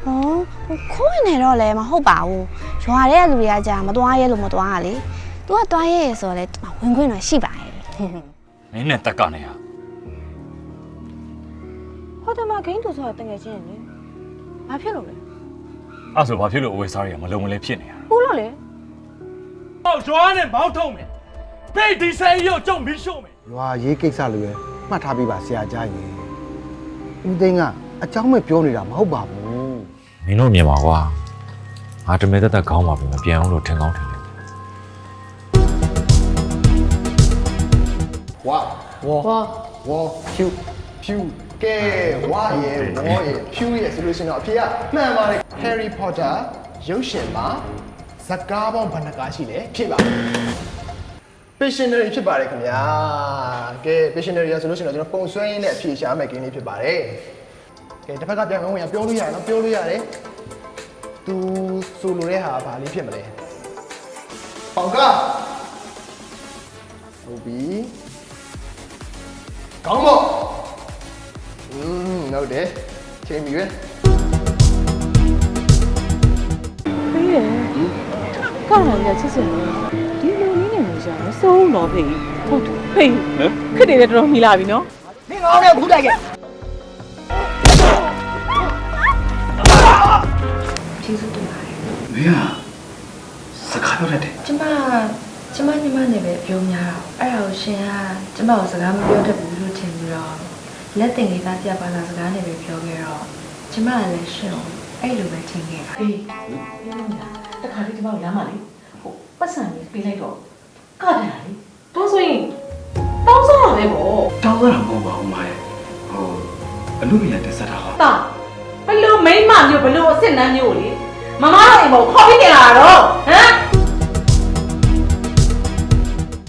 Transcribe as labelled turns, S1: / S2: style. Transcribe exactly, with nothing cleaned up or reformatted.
S1: 哦，ခိုးနေတော့လည်းမဟုတ်ပါဘူး။ရွာတဲ့လူတွေကကြာမသွားရဲလို့မသွားရလေ။ तू ကသွားရဲဆိုတော့လေဝင်ခွင့်တော့ရှိပါရဲ့။
S2: နင်းနဲ့တက်ကနေဟာ
S1: ဟိုတမဂိမ်းသူဆိုတော့တကယ်ချင်းလေ။ဘာဖြစ်လို့လဲ
S2: အဲ့ဆိုဘာဖြစ်လို့အဝေးစားတွေကမလုံမလဲဖြစ်နေရတာ
S1: ။ဟုတ်လို့လေ
S3: ဟောကျွမ်းနဲ့မောင်းထုံးမယ်ဖိတ်ဒီဆယ်ရုပ်ကြုံပြီးရှုံးမယ်
S4: ရွာရေးကိစ္စလိုပဲမှတ်ထားပြီးပါဆရာကြားရင်ဦးသိန်းကအเจ้าမဲ့ပြောနေတာမဟုတ်ပါဘူး
S2: မင်းတို့မြင်ပါကွာငါတမဲတက်တက်ခေါင်းပါပြီမပြန်အောင်လို့ထင်ကောင်းထင်တယ်
S5: ဝါဝါဝါဖြူဖြူကဲဝါရဲ့ဝါရဲ့ဖြူရဲ့ဆိုလို့ရှိရင်တော့အဖေကမှန်ပါတယ် Harry Potter ရုပ်ရှင်မှာဇာတ်ကားပေါင်းဘယ်နှကားရှိလဲဖြစ်ပါ Pictionary ဖြစ်ပါတယ်ခင်ဗျာကဲ Pictionary ရဆိုလို့ရှိရင်တော့ကျွန်တော်ပုံဆွဲရင်းနဲ့အဖြေရှာမယ့်ကိန်းလေးဖြစ်ပါတယ်ကဲတစ်ဖက်ကပြန်ဝင်ရပြောလို့ရတယ်နော်ပြောလို့ရတယ်သူဆိုလိုတဲ့ဟာဘာလေးဖြစ်မလဲပေါင်ကဟုတ်ပြီကောင်းပေါ့อืมဟုတ်တယ်ချိန်ပြီပဲ
S6: ဖေးရကောင်းတယ်ချစ်စင်ဒီလိုနည်းနဲ့လို့ရှာမစိုးတော့ဖေးဟုတ်တယ်ဖေးခက်တယ်တော်တော်မြည်လာပြီနော်
S5: မင်းငေါင်းနဲ့ခုတိုက်ခဲ့
S7: ကျေးဇူးတင်ပါတယ်
S8: မင်းကစကားပြောတတ်တယ်
S7: ကျမကျမညီမနဲ့ပဲပြောများတော့အဲ့ဒါကိုရှင်ကကျမကိုစကားမပြောတတ်ဘူးလို့ထင်ပြီးတော့လက်တင်လေးသားပြပါလာစကားနဲ့ပဲပြောခဲ့တော့ကျမကလည်းရှင်ကိုအဲ့လိုပဲထင်ခဲ့တာ
S6: ဖေးပြောလို့လားတခါလေးဒီမောက်ရမ်းပါလေဟိုပတ်စံလေးပေးလိုက်တော့ကတယ်လေတော့ဆိုရင်တောင်းစားရမယ်ပေါ့
S8: တောင်းရတာမဟုတ်ပါဘူးမရဲ့ဟိုအမှုမြတ်တက်ဆက်တာဟာ
S6: တာဘလို့မိမမျိုးဘလို့အစ်စ်နှမ်းမျိုးလေမမတို့အိမ်ပေါ်ခေါ်ပြီးတင်လာတော့